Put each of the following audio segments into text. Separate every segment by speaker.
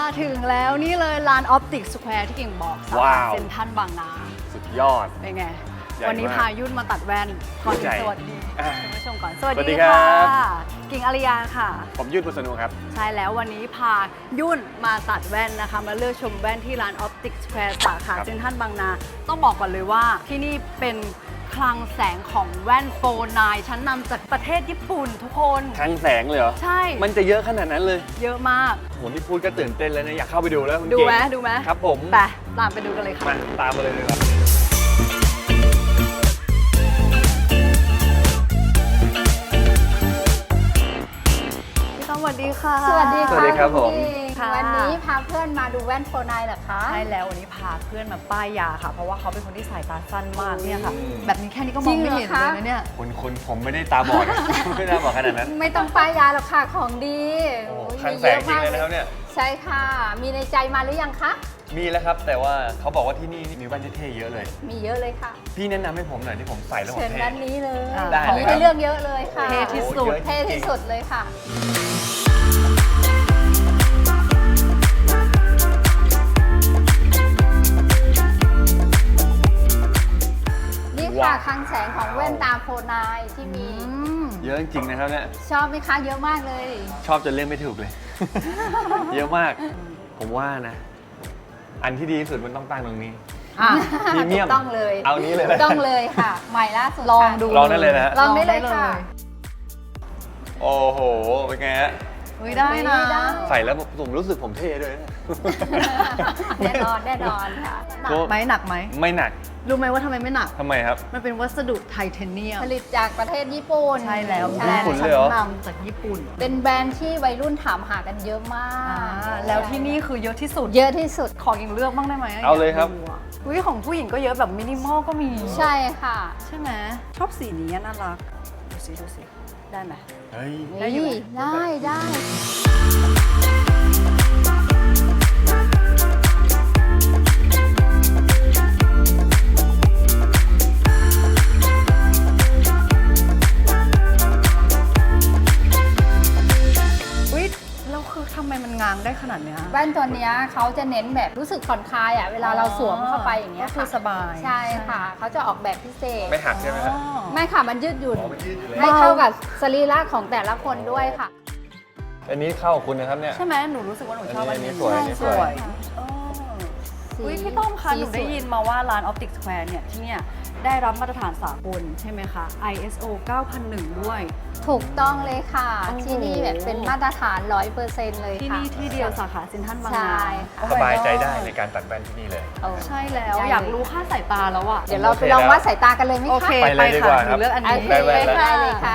Speaker 1: ถึงแล้วนี่เลยร้าน Optic Square ที่กิ่งบอกสาขาเซ็นทรัลบางนา
Speaker 2: สุดยอด
Speaker 1: เป็นไง
Speaker 2: ใหญ่
Speaker 1: วันนี้
Speaker 2: มาก
Speaker 1: พายุ่นมาตัดแว่นก่อนอื่น
Speaker 2: ใหญ่
Speaker 1: สวัสดีคุณผู้ชมก่อนสวัส
Speaker 2: สวัสดี
Speaker 1: ดี
Speaker 2: ครั
Speaker 1: ค่ะ
Speaker 2: บ
Speaker 1: กิ่งอริยาค่ะ
Speaker 2: ผมยุทธบุษนูครับ
Speaker 1: ใช่แล้ววันนี้พายุ่นมาตัดแว่นนะคะ มาเลือกชมแว่นที่ร้าน Optic Square สาขา
Speaker 2: ครับ
Speaker 1: เซ็นทรัลบางนา ต้องบอกก่อนเลยว่าที่นี่เป็นคลังแสงของแว่นโฟนายชั้นนำจากประเทศญี่ปุ่นทุกคน
Speaker 2: คลังแสงเลยเหรอ
Speaker 1: ใช่
Speaker 2: มันจะเยอะขนาดนั้นเลย
Speaker 1: เยอะมาก
Speaker 2: โหที่พูดก็ตื่นเต้นแล้วนะอยากเข้าไปดูแล้วคุณ
Speaker 1: ดู
Speaker 2: เก่ง
Speaker 1: ไหมดูไหม
Speaker 2: ครับผม
Speaker 1: ไปตามไปดูกันเลยค่ะ
Speaker 2: มาตามมาเลยดีกว่า
Speaker 1: พี่ต้อมสวัสดีค่ะ
Speaker 3: สวัสดี
Speaker 2: สวัสดีครับผม
Speaker 1: ค่ะ
Speaker 3: วันนี้พาเพื่อนมาดูแว่นโฟนายเหรอคะ
Speaker 1: ใช่แล้ววันนี้พาเพื่อนมาป้ายยาค่ะ เพราะว่าเขาเป็นคนที่สายตาสั้นมากเนี่ยค่ะ
Speaker 2: อืม
Speaker 1: แบบนี้แค่นี้ก็มองไม่เห็นเลยนะเนี่ย
Speaker 2: คนผมไม่ได้ตาบอด ไม่ได้ตาบอดขนาดนั้น
Speaker 3: ไม่ต้องป้ายยาหรอกค่ะของดี
Speaker 2: โอ้โห
Speaker 3: โอ้ย
Speaker 2: คลังแสงจริงเลยนะครับเนี่ย
Speaker 3: ใช่ค่ะ มีในใจมาหรือยังคะ
Speaker 2: มีแล้วครับ แต่ว่าเขาบอกว่าที่นี่มีแว่นเท่ๆเยอะเลย
Speaker 3: มีเยอะเลยค่ะ
Speaker 2: พี่แนะนำให้ผมหน่อยที่ผมใส่แล้วผม
Speaker 3: เชิญ
Speaker 2: เท่
Speaker 3: ด้านนี้เลย
Speaker 1: ได้
Speaker 3: ของ
Speaker 2: เลยครั
Speaker 3: ให้
Speaker 2: บ
Speaker 3: เลือกเยอะเลยค่ะ
Speaker 1: เท่ที่สุด
Speaker 2: โอ้โหเยอะ
Speaker 3: เท่ที่สุดเลยค่ะ นี่ค่ะคลังแสงของแว่นตาโฟนายที่มี
Speaker 2: เยอะจริงๆนะครับเนี่ย
Speaker 3: ชอบไหมคะเยอะมากเลย
Speaker 2: ชอบจนเลือกไม่ถูกเลย เยอะมาก ผมว่านะ อันที่ดีที่สุดมันต้องตั้งตรงนี้
Speaker 1: อ่ะ
Speaker 2: พรีเมียม
Speaker 3: ถูกต้องเลย
Speaker 2: เอานี้เลยนะ
Speaker 3: ถูกต้องเลยค่ะ ใหม่ล่าสุด
Speaker 1: ลอง
Speaker 3: ค่ะ
Speaker 1: ดู
Speaker 2: ลองได้เลยนะฮะ
Speaker 3: ลองได้เลยค่ะ
Speaker 2: โอ้โห เป็นไงฮะ
Speaker 1: เฮ้ยได้นะ
Speaker 3: ได้
Speaker 2: ใส่แล้วผมรู้สึกผมเท่ด้วยนะ
Speaker 3: แน่นอนแน่นอนค่ะ
Speaker 1: หนักไหมหนักไหม
Speaker 2: ไม่หนัก
Speaker 1: รู้ไหมว่าทำไมไม่หนัก
Speaker 2: ทำไมครับ
Speaker 1: มันเป็นวัสดุไทเทเนียม
Speaker 3: ผลิตจากประเทศญี่ปุ่น
Speaker 1: ใช่แล้ว
Speaker 2: ญี่
Speaker 1: แบรน
Speaker 2: ปุ่น
Speaker 1: ด์
Speaker 2: เล
Speaker 1: ชั้
Speaker 2: ยเหรอ
Speaker 1: นนำจากญี่ปุ่น
Speaker 3: เป็นแบรนด์ที่วัยรุ่นถามหากันเยอะมา
Speaker 1: อ่าก แล้วที่นี่คือเยอะที่สุด
Speaker 3: เยอะที่สุด
Speaker 1: ขอกิ่งเลือกบ้างได้ไหม
Speaker 2: เอาเลยครับ
Speaker 1: กดูอะอุ้ยของผู้หญิงก็เยอะแบบมินิมอลก็มี
Speaker 3: ใช่ค่ะ
Speaker 1: ใช่ไหมชอบสีนี้น่ารัก ดูสิดูสิได้ไหม
Speaker 2: เฮ้ย
Speaker 1: ได้อยู่ไหม
Speaker 3: ได้ได้
Speaker 1: อุ้ยแล้วคือทำไมมันง้างได้ขนาดเนี้ย
Speaker 3: แว่นตัวเนี้ยเขาจะเน้นแบบรู้สึกผ่อนคลายอ่ะเวลาเราสวมเข้าไปอย่างเงี้ย
Speaker 1: ก็คือ
Speaker 3: ค่ะ
Speaker 1: สบาย
Speaker 3: ใช่ค่ะเขาจะออกแบบพิเศษ
Speaker 2: ไม่หักใช่ไหมครับ
Speaker 1: อ๋อ
Speaker 3: ไม่ค่ะมันยืดหยุ่น
Speaker 2: อ๋อมันยืดอยู่แล้ว
Speaker 3: ให้เข้ากับสรีระของแต่ละคนด้วยค่ะ
Speaker 2: อันนี้เข้ากับคุณนะครับเนี่ย
Speaker 1: ใช่ไหมหนูรู้สึกว่าหนูชอบ
Speaker 2: อั
Speaker 1: อั
Speaker 2: น
Speaker 1: น
Speaker 2: นี้
Speaker 1: นี้
Speaker 2: สวยอันนี้สวย
Speaker 1: อ๋อ
Speaker 3: สี
Speaker 1: อุ้ยพี่ต้อมคะหนูได้
Speaker 3: สีสว
Speaker 1: ยินมาว่าร้าน Optic Square เนี่ยที่เนี่ยได้รับมาตรฐานสากลใช่ไหมคะ ISO 9001 ด้วย
Speaker 3: ถูกต้องเลยค่ะ
Speaker 1: โอ้โห
Speaker 3: ที่นี่แบบเป็นมาตรฐาน 100%เลย
Speaker 1: ที่
Speaker 3: ค่ะ
Speaker 1: นี่ที่เดียวสาขาเซ็นทรัลบาง
Speaker 3: ใช่
Speaker 1: นา
Speaker 3: ค่ะ
Speaker 2: สบายใจได้ในการตัดแว่นที่นี่เลย
Speaker 3: โอ้
Speaker 1: ใช่แล้ว
Speaker 3: ได้เลย
Speaker 1: อยากรู้ค่าสายตาแล้วอะ
Speaker 3: เดี๋ยวเราไปลองวัดสายตากันเลยไหมคะ
Speaker 1: โอเค
Speaker 2: ไปเลยดีกว่า
Speaker 1: ห
Speaker 2: ครั
Speaker 1: นู
Speaker 2: บ
Speaker 1: เลือกอัน
Speaker 3: โอ
Speaker 1: นี้
Speaker 3: เค
Speaker 2: ได้แว่นแล้ว
Speaker 3: ได้เลยค่ะ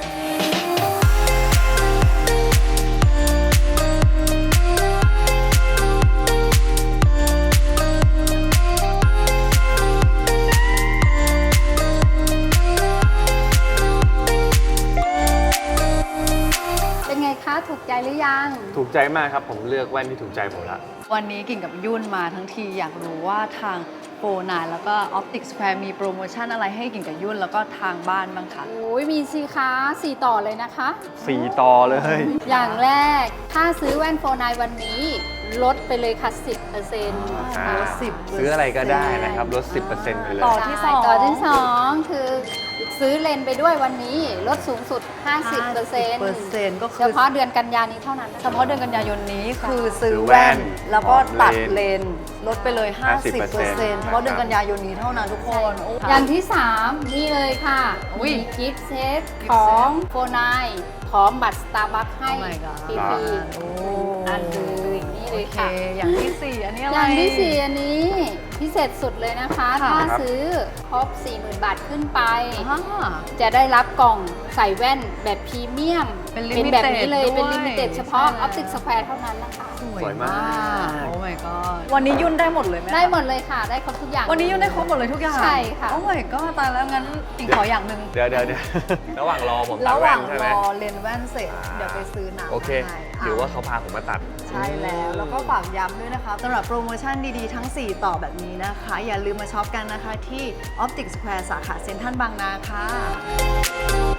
Speaker 3: เป็นไงคะ ถูกใจหรือยัง
Speaker 2: ถูกใจมากครับ ผมเลือกแว่นที่ถูกใจผมละ
Speaker 1: วันนี้กิ่งกับยุ่นมาทั้งทีอยากรู้ว่าทางโฟนายแล้วก็ Optic Square มีโปรโมชั่นอะไรให้กิ่งกับยุ่นแล้วก็ทางบ้านบ้างคะ
Speaker 3: โอ้ยมีสิคะ4 ต่อเลยนะคะ
Speaker 2: 4 ต่อเลย
Speaker 3: อย่างแรก ถ้าซื้อแว่นโฟนายวันนี้ ลดไปเลยค่ะ 10%
Speaker 2: อ่า
Speaker 1: ลด10%
Speaker 2: ซื้ออะไรก็ได้นะครับ ลด 10%ไปเลย
Speaker 1: ต่อ ที่สอง
Speaker 3: ต่อที่ 2 คือซื้อเลนส์ไปด้วยวันนี้ ลดสูงสุด 50%
Speaker 1: ก็
Speaker 3: เฉ
Speaker 1: คือ
Speaker 3: พาะเดือนกันยานี้เท่านั้นนะคะ
Speaker 1: เฉพาะเดือนกันยายนนี้คือซื้อ
Speaker 2: ซื้อแว่
Speaker 1: แว่น
Speaker 2: น
Speaker 1: แล้วก็ตัด
Speaker 2: เลน
Speaker 1: เลนส์ลดไปเลย 50% เฉพาะเดือนกันยายนนี้เท่านั้นทุกคนโ
Speaker 3: อย่างที่ 3 นี่เลยค่ะ
Speaker 1: อุ๊ย
Speaker 3: มีกิฟต์เซตของโฟนายพร้อมบัตรสตาร์บัคให้
Speaker 1: Oh my god
Speaker 3: ฟรี
Speaker 1: โอ้
Speaker 3: ๆอันเลยนี่เลย
Speaker 1: โอเค
Speaker 3: ค่ะ
Speaker 1: อย่างที่ 4 อันนี้อะไร
Speaker 3: อย่างที่ 4 อันนี้พิเศษสุดเลยนะคะ
Speaker 1: ค่ะ
Speaker 3: ถ้าซื้อครบ 40,000 บาทขึ้นไป
Speaker 1: อ่า
Speaker 3: จะได้รับกล่องใส่แว่นแบบพรีเมียม
Speaker 1: เป็น
Speaker 3: แบบ
Speaker 1: limited
Speaker 3: นี้เลย
Speaker 1: ด้วย
Speaker 3: เป็นลิมิเต็ดเฉพาะ
Speaker 1: ใช่แล้ว
Speaker 3: Optic Square เท่านั้นนะคะ
Speaker 2: สวยมาก
Speaker 1: โอ้ my god วันนี้ยุ่นได้หมดเลยไหมคะ
Speaker 3: ได้หมดเลยค่ะ ได้ครบทุกอย่าง
Speaker 1: วันนี้ยุ่นได้ครบหมดเลยทุกอย่าง
Speaker 3: ใช่ค่ะ
Speaker 1: โอ้ my god ตายแล้วงั้นกิ่งขออย่างหนึ่ง
Speaker 2: เดี๋ยว ระหว่างรอผมตั
Speaker 1: ระ
Speaker 2: ด
Speaker 1: ห
Speaker 2: แว่
Speaker 1: ว่าน ง
Speaker 2: ใช่ไห
Speaker 1: ร
Speaker 2: ม
Speaker 1: อเลนส์แว่นเสร็จ เดี๋ยวไปซื้อน้ำ
Speaker 2: โอเค
Speaker 1: ให้
Speaker 2: ถือว่าเขาพาผมมาตัด
Speaker 1: ใช่แล้วแล้วก็ฝากย้ำด้วยนะคะสำหรับโปรโมชั่นดีๆ ทั้ง 4 ต่อแบบนี้นะคะ อย่าลืมมาช็อปกันนะคะที่ Optic Square สาขาเซ็นทรัลบางนาค่ะ